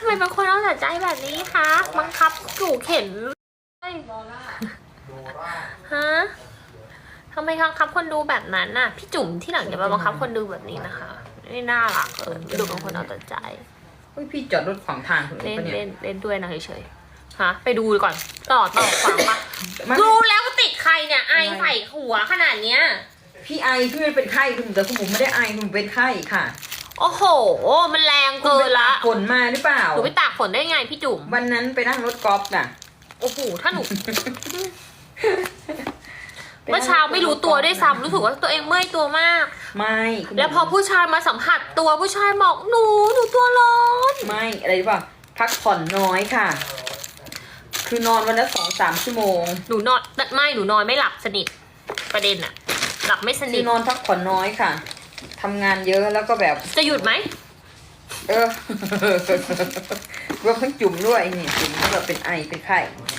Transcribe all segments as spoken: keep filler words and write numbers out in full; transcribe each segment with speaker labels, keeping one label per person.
Speaker 1: ทำไมเป็นคนเอาแต่ใจแบบนี้คะบังคับจู่เข็นฮะทำไมบังคับคนดูแบบนั้นน่ะพี่จุ๋มที่หลังอย่ามาบังคับคนดูแบบนี้นะคะไม่น่ารักเลยดูเป็นคนเอาแต่ใจ
Speaker 2: เฮ้ยพี่จอดรถขวางทางคุณ
Speaker 1: เล่น
Speaker 2: ปะเนี่ย
Speaker 1: เล่นเล่นด้วยนะเฉยๆฮะไปดูก่อนต่อต่อฟังปะดูแล้วก็ติดใครเนี่ยไอใส่หัวขนาดเนี้ย
Speaker 2: พี่ไอพี่ไม่เป็นไข้คุณแต่คุณบุ๋มไม่ได้ไอคุณบุ๋มเป็นไข้ค่ะ
Speaker 1: โอ้โหมันแรงเกินละ
Speaker 2: ฝนมาหรือเปล่า
Speaker 1: หนูไปตากฝนได้ไงพี่จุ๋ม
Speaker 2: วันนั้นไปนั่งรถกอล์ฟน่ะ
Speaker 1: โอ้โหถ้าหนูเมื่อเช้าไม่รู้ตัวด้วยซ้ำรู้สึกว่าตัวเองเมื่อยตัวมาก
Speaker 2: ไม่คุณ
Speaker 1: แล้วพอผู้ชายมาสัมผัสตัวผู้ชายบอกหนูหนูตัวร้อน
Speaker 2: ไม่อะไรหรือเปล่าพักผ่อนน้อยค่ะ คือนอนวันละสองสามชั่วโมง
Speaker 1: หนูนอนไม่หนูนอนไม่หลับสนิทประเด็นอะหลับไม่ส
Speaker 2: คื
Speaker 1: นิท
Speaker 2: อนอนพักผ่อนน้อยค่ะทำงานเยอะแล้วก็แบบ
Speaker 1: จะหยุดไหม
Speaker 2: เออ รวมทั้งจุ่มด้วยนี่จุ่มก็แบบเป็นไอเป็นไข้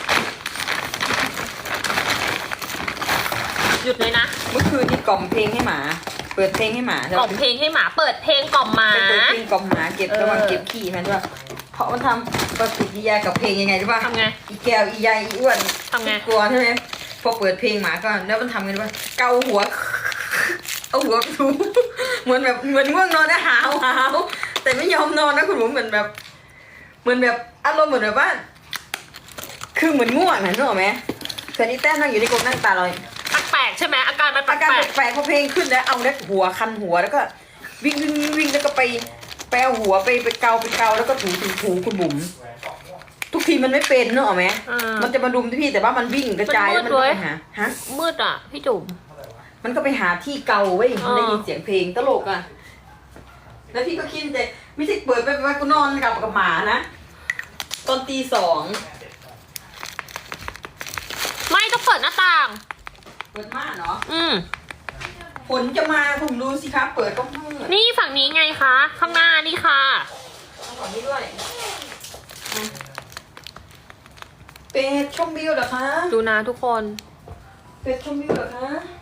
Speaker 1: หยุดเลยนะ
Speaker 2: เมื่อคืนนี่กล่อมเพลงให้หมา เปิดเพลงให้หมาก
Speaker 1: ล่อมเพลงให้หมาเปิดเพลงกล่อมหมา
Speaker 2: ไปเปิดเพลงกล่อมหมาเก็บ
Speaker 1: เออ
Speaker 2: ระหว่างเก็บขี้มันด้วยเพราะมันทำปฏิกิริยากับเพลงยังไงรู้ป่ะ
Speaker 1: ทำไง
Speaker 2: อีแก้วอีใยอีอ้วน
Speaker 1: ทำไง
Speaker 2: กลัวใช่ไหมพอเปิดเพลงหมาก็แล้วมันทำไงรู้ป่ะเกาหัว เอาหัวไปถูเหมือนแบบเหมือนง่วงนอนนะหาวหาวแต่ไม่ยอมนอนนะคุณหมูเหมือนแบบ เหมือนแบบอารมณ์เหมือนแบบว่าคือเหมือนง่วงนะนึกออกไหมเคยนี่แต้มนั่งอยู่ในกรงนั่งตาลอย
Speaker 1: แปลกๆใช่ไหมอาการมันแป
Speaker 2: อาการ
Speaker 1: ลก
Speaker 2: แปลกๆพอเพลงขึ้นแล้วเอาแล้วหัวคันหัวแล้วก็วิ่งวิ่งวิ่งวิ่งแล้วก็ไปไปเอาหัวไปไปเกาไปเกาแล้วก็ถูถูถูคุณบุ๋มทุกทีมันไม่เป็นนึกออกไหม
Speaker 1: ๆอ่า
Speaker 2: มันจะมาดุมที่พี่แต่ว่ามันวิ่งกระจาย
Speaker 1: มั
Speaker 2: แล้ว
Speaker 1: น
Speaker 2: มัน
Speaker 1: มื
Speaker 2: ก็
Speaker 1: ด
Speaker 2: ไป
Speaker 1: เว้ย
Speaker 2: หาฮะ
Speaker 1: มืดอ่ะพี่จุ๋ม
Speaker 2: มันก็ไปหาที่เกาเว้ย
Speaker 1: อ่า
Speaker 2: ได้ยินเสียงเพลงตลกอ่ะแล้วพี่ก็คิดแต่ไม่ใช่เปิดไปไปกูนอนกับกับหมานะตอนตีสอง
Speaker 1: ไม่ต้องเปิดหน้าต่าง
Speaker 2: เปิดม่านเหรอ
Speaker 1: อืม
Speaker 2: ฝนจะมาผมดูสิครับเปิดก็มืด
Speaker 1: นี่ฝั่งนี้ไงคะ ข้างหน้านี่ค่ะ
Speaker 2: เอาฝั่งนี้ด้วยเป็ดชมวิวเหรอคะ
Speaker 1: ดูนะทุกคน
Speaker 2: เป็ดชมวิวเหรอคะ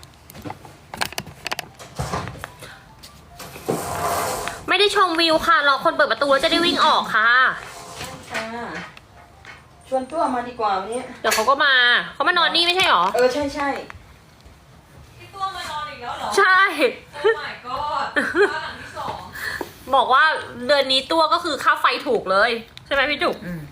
Speaker 1: ไม่ได้ชมวิวค่ะรอคนเปิดประตูแล้วจะได้วิ่งออกค่ะ
Speaker 2: ค่ะชวนตัวมาดีกว่าวันนี้
Speaker 1: เดี๋ยวเขาก็มาเขามานอนนี่ไม่ใช่หรอ
Speaker 2: เออใช่ใช่
Speaker 3: พี่ตัวมานอนอีกแล้วเหรอ
Speaker 1: ใช่
Speaker 3: โอ้ my god บ้านหลังที่สอง
Speaker 1: บอกว่าเดือนนี้ตัวก็คือค่าไฟถูกเลย ใช่ไหมพี่จุ๋ม
Speaker 2: อืม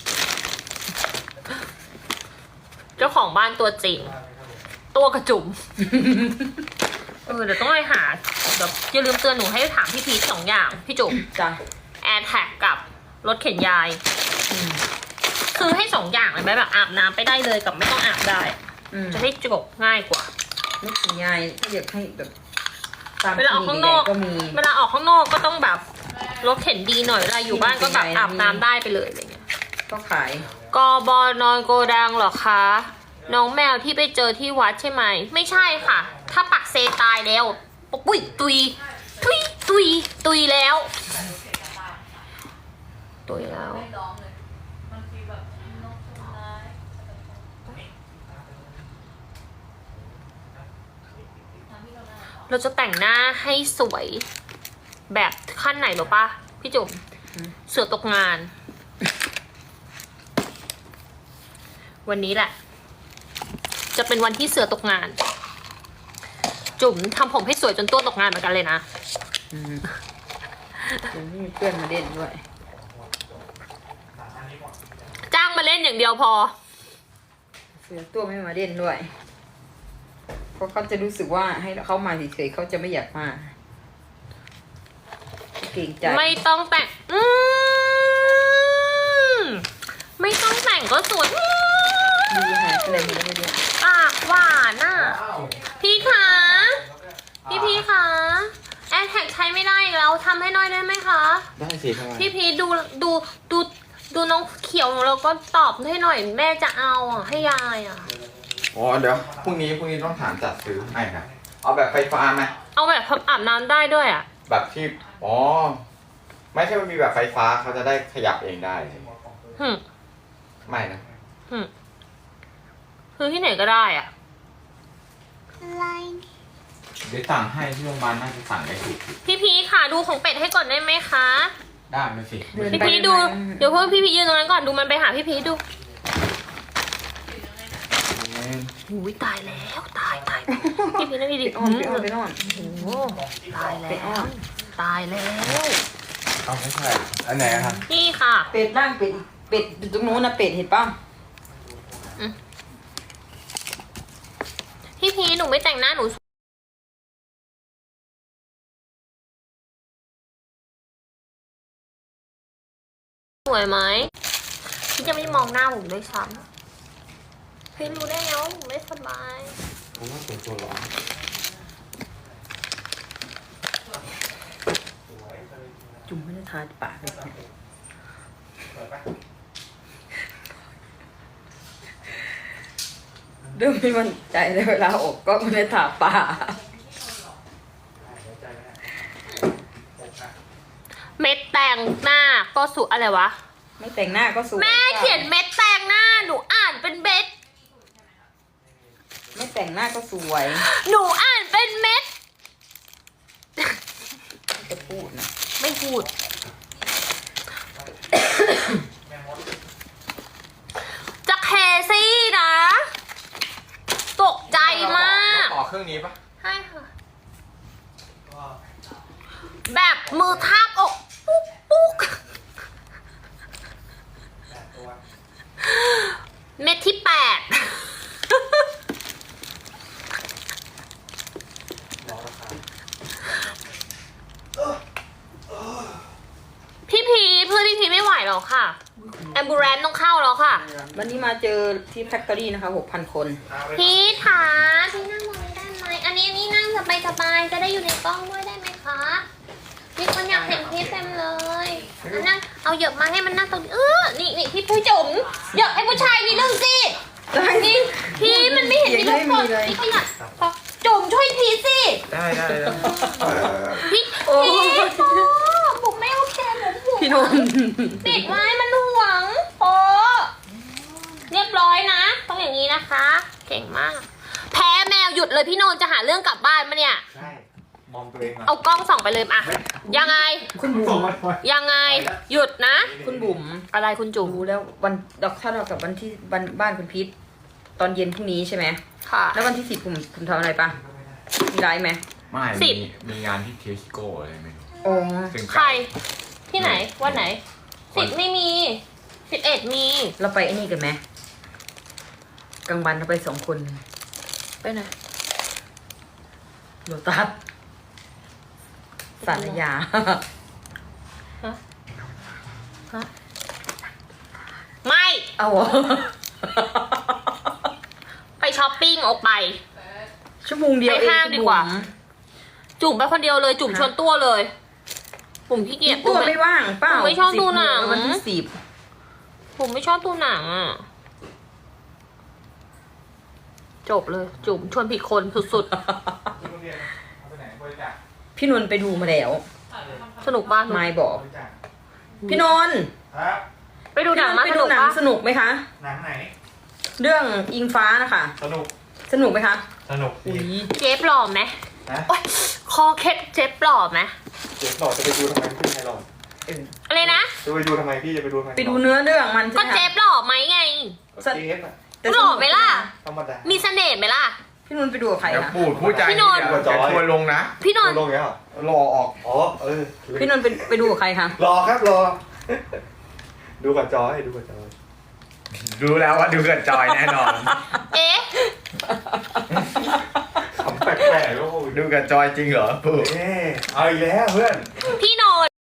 Speaker 1: เจ้าของบ้านตัวจริง ตัวกระจุ๋ม เออเดี๋ยวต้องไปหาเดี๋ยวอย่าลืมเตือนหนูให้ถามพี่พีชสองอย่างพี่จุ๋ม
Speaker 2: จ้ะ
Speaker 1: แอร์แท็กกับรถเข็นยาย
Speaker 2: อืม
Speaker 1: คือให้สองอย่างเลยไหมแบบอาบน้ำไปได้เลยกับไม่ต้องอาบได้
Speaker 2: อืม
Speaker 1: จะได้จบง่ายกว่า
Speaker 2: ไม่ถึงยายถ้าอยากให้แบบตาม
Speaker 1: เวลาออกข้างนอก
Speaker 2: ก็มี
Speaker 1: เวลาออกข้างนอกก็ต้องแบบรถเข็นดีหน่อยเวลาอยู่บ้านก็แบบอาบน้ำได้ไปเลยอะไรเงี้ย
Speaker 2: ก็ขาย
Speaker 1: กบนอนโกดังเหรอคะ น้องแมวที่ไปเจอที่วัดใช่ไหม ไม่ใช่ค่ะ ถ้าปักเซตายแล้วปุ้ยตุยตุยตุยตุยแล้วตุยแล้ว
Speaker 3: ไม่ร้องเลย มันฟีลแบบนกชุมน้าย
Speaker 1: เราจะแต่งหน้าให้สวยแบบขั้นไหนหรอปะพี่จุ๋มเสือตกงาน วันนี้แหละ จะเป็นวันที่เสือตกงาน จุ๋มทำผมให้สวยจนตัวตกงานเหมือนกันเลยนะ
Speaker 2: อืมเดี๋ยวนี้มีเพื่อนมาเล่นด้วย
Speaker 1: จ้างมาเล่นอย่างเดียวพอ
Speaker 2: เสือตัวไม่มาเล่นด้วย เพราะเขาจะรู้สึกว่าให้เขามาเฉยๆเขาจะไม่อยากมาเกรงใจ
Speaker 1: ไม่ต้องแต่ง อืมไม่ต้องแต่งก็สวยอืม
Speaker 2: ดีหายอะไรหมดแล้วเนี่ย
Speaker 1: ปากหวานน่ะ พี่คะ พี่พี่คะแอร์แท็กใช้ไม่ได้อีกแล้วทำให้หน้อยได้ไหมคะ
Speaker 4: ได้สิทำไม
Speaker 1: พี่พีดูดูดูดูน้องเขียวของเราก็ตอบให้หน่อยแม่จะเอาอ่ะให้ยายอ่ะ
Speaker 4: อ๋อเดี๋ยวพรุ่งนี้พรุ่งนี้ต้องถามจัดซื้อให้ครับเอาแบบไฟฟ้าไหม
Speaker 1: เอาแบบอาบน้ำได้ด้วยอ่ะ
Speaker 4: แบบที่อ๋อไม่ใช่มันมีแบบไฟฟ้าเขาจะได้ขยับเองได้
Speaker 1: หึ
Speaker 4: ไม่นะ
Speaker 1: หึคือที่ไหนก็ได้อ่ะ
Speaker 4: เดี๋ยวสั่งให้ที่โรงพยาบาลน่าจะสั่งได้ถูก
Speaker 1: พี่พีค่ะดูของเป็ดให้ก่อนได้ไหมคะ
Speaker 4: ได้ไหมสิ
Speaker 2: เดิน
Speaker 1: พี่
Speaker 2: ไป
Speaker 1: พีชดู
Speaker 2: เดินมา
Speaker 1: เดี๋ยวเพิ่งพี่พีชยืนตรงนั้นก่อนดูมันไปหาพี่พีชดูอุ้ยตายแล้วตายตายพี่พีชนะพี่ดิ
Speaker 2: ไปอ้อนไปอ้อนไปอ้อน
Speaker 1: โอ้โหตายแล้
Speaker 2: ไปอ้อ
Speaker 1: วน ตายแล้ว
Speaker 4: เอาไม่ใช่อันไหนอะครับ
Speaker 1: นี่ค่ะ
Speaker 2: เป็ดร่างเป็ดอีกเป็ดอยู่ตรงนู้นนะเป็ดเห็นป่ะ
Speaker 1: พี่พีชหนูไม่แต่งหน้าหนูสวยไหมพี่จะไม่มองหน้าผมด้วยซ้ำพี่รู้ได้ไงว่าผมไม่สบาย
Speaker 4: ผมว่าตัวตัวร้อน
Speaker 2: จุ่มไม่ได้ทาปากเลยเริ่มไม่มั่นใจเลยเวลาออกก็ไม่ได้ทาปาก
Speaker 1: เม็ดแต่งหน้าก็สุอะไรวะ
Speaker 2: ไม่แต่งหน้าก็สวย
Speaker 1: แม่เขียนเม็ดแต่งหน้าหนูอ่านเป็นเม็ด
Speaker 2: ไม่แต่งหน้าก็สวย
Speaker 1: หนูอ่านเป็นเม็ด
Speaker 2: จะพูดนะ
Speaker 1: ไม่พูด จะแคซี่นะ ตกใจมาก
Speaker 4: ต่อเครื่องนี้ปะ
Speaker 1: ใช่ค่ะ แบบมือทาบอกปุ๊กปุ๊กเม็ดที่แปด พี่พีชเพื่อนพี่พีชไม่ไหวหรอกค่ะ แอมบูเรนต้องเข้าแล้วค่ะ
Speaker 2: วันนี้มาเจอที่แฟคทอรี่นะคะหกพันคน
Speaker 1: พี่ถาพี่นั่งตรงนี้ได้ไหม อันนี้อันนี้นั่งสบายสบายๆจะได้อยู่ในกล้องด้วยได้ไหมคะมีคนอยากเห็นพี่เต็มเลยเอานั่งเอาเหยอะมาให้มันนั่งตรงนี้เออนี่นี่พี่ผู้จุ๋มเหยอะให้ผู้ชายนิดนึงสิพี่พี่มันไม่เห็นมีลูกคนนี่ขยับจุ๋มช่วยพีสิ
Speaker 4: ได้ได้ได้
Speaker 1: พี่
Speaker 2: โอ้
Speaker 1: พี่โอ้บุ๋มไม่โอเคบุ๋มบุ๋ม
Speaker 2: พี่นนท์
Speaker 1: ปิดไว้มันห่วงโอ้เรียบร้อยนะต้องอย่างนี้นะคะ เก่งมาก แพ้แมวหยุดเลยพี่โนนจะหาเรื่องกลับบ้านมาเนี่ย
Speaker 4: ใช่มองตัวเองอ่ะ
Speaker 1: เอากล้องส่องไปเลยอะยังไง
Speaker 2: คุณบุ๋ม
Speaker 1: ยังไง หยุดนะ
Speaker 2: คุณบุ๋ม
Speaker 1: อะไรคุณจุ๋ม
Speaker 2: รู้แล้ววันดอกถ้าเรากับวันที่วันบ้านคุณพีทตอนเย็นพรุ่งนี้ใช่ไหม
Speaker 1: ค่ะ
Speaker 2: แล้ววันที่สิบผมผมทำอะไรปะมีไลฟ์ไหม
Speaker 4: ไม่
Speaker 1: สิ
Speaker 4: มี
Speaker 1: บ
Speaker 4: มีงานที่เทสโก้อะไรไม่รู้
Speaker 2: โอ้
Speaker 4: ซึ่ง
Speaker 1: ใคร ที่ไหน วันไหน สิบไม่มี สิบเอ็ดมี
Speaker 2: เราไปไอ้นี่กันไหมกลางวันเราไปสองคน
Speaker 1: ไปไหน
Speaker 2: โลตัสสารยา
Speaker 1: ฮะ ฮะ ไม่
Speaker 2: เอาเหรอ
Speaker 1: ไปช้อปปิ้งออกไป
Speaker 2: ชั่วโมงเดียว
Speaker 1: ไป
Speaker 2: เอง
Speaker 1: ห้าง
Speaker 2: คุณ
Speaker 1: ดีกว่า
Speaker 2: บุ๋ม
Speaker 1: จุ่มไปคนเดียวเลย จุ่มชวนตัวเลยผมขี้เกียจ
Speaker 2: ตัวไม่ว่างเปล่า
Speaker 1: ผมไม่ชอบดูหนัง
Speaker 2: สิบวันที่สิบ
Speaker 1: ผมไม่ชอบดูหนังอ่ะ จบเลย จุ่มชวนผิดคนสุด
Speaker 2: พี่นนท์ไปดูมาแล้ว
Speaker 1: ๆ สนุกบ้าน
Speaker 2: ไม่บอก พี่นนท์
Speaker 5: ครับ
Speaker 1: ไปดูหนังมา
Speaker 2: ไป
Speaker 1: ส
Speaker 2: ดู
Speaker 1: นุก
Speaker 2: หนัง
Speaker 1: ปะ
Speaker 2: สนุกไหมคะ
Speaker 5: หนังไหน
Speaker 2: เรื่องอิงฟ้านะคะ
Speaker 5: สนุก
Speaker 2: สนุกไหมคะ
Speaker 5: สนุก
Speaker 2: อุ้
Speaker 5: ดี
Speaker 2: ย
Speaker 1: เจ๊ปหล่อไหม
Speaker 5: นะ
Speaker 1: โอ๊ยคอเคล็ดเจ๊ปหล่อไหม
Speaker 5: เดี๋ยวต่อจะไปดูทำไมพี่ไทยหลอด
Speaker 2: เออ
Speaker 1: อะไรนะ
Speaker 5: จะไปดูทำไมพี่จะไปดูทำไม
Speaker 2: ไปดูเนื้อเรื่องมัน
Speaker 1: ก็
Speaker 2: ใช่ไหม
Speaker 1: เจ๊
Speaker 2: คะ
Speaker 1: ปหล่อไหมไง
Speaker 5: สเทปอะ
Speaker 2: แต่
Speaker 1: หล่อไหมล่ะ
Speaker 5: ธรรมดา
Speaker 1: มีเสน่ห์ไหมล่ะ
Speaker 2: พี่นนท์ไปดูกับใคร
Speaker 4: เดี๋ยว
Speaker 2: คะ
Speaker 4: พูดพูดใจ
Speaker 1: พี่นนท์
Speaker 4: เดี๋ยวจะทัวร์ลงนะ
Speaker 1: พี่นนท์
Speaker 5: ดูลงแล้วเหรอ
Speaker 4: รอออก
Speaker 5: อ๋อเออ
Speaker 2: พี่นนท์ไปไปดูกับใครคะ
Speaker 5: รอครับรอ ดูกับจอยดูกับจอย
Speaker 4: ดูแล้วว่าดูเกิดจอยแน่นอน
Speaker 1: เอ๊ะ
Speaker 5: ขำแปลกๆแล้วโอ้ย
Speaker 4: ดูกับจอยจริงเหรอพูด
Speaker 5: เอ๊ะเอาอีกแล้วเพื่อน
Speaker 1: พี่น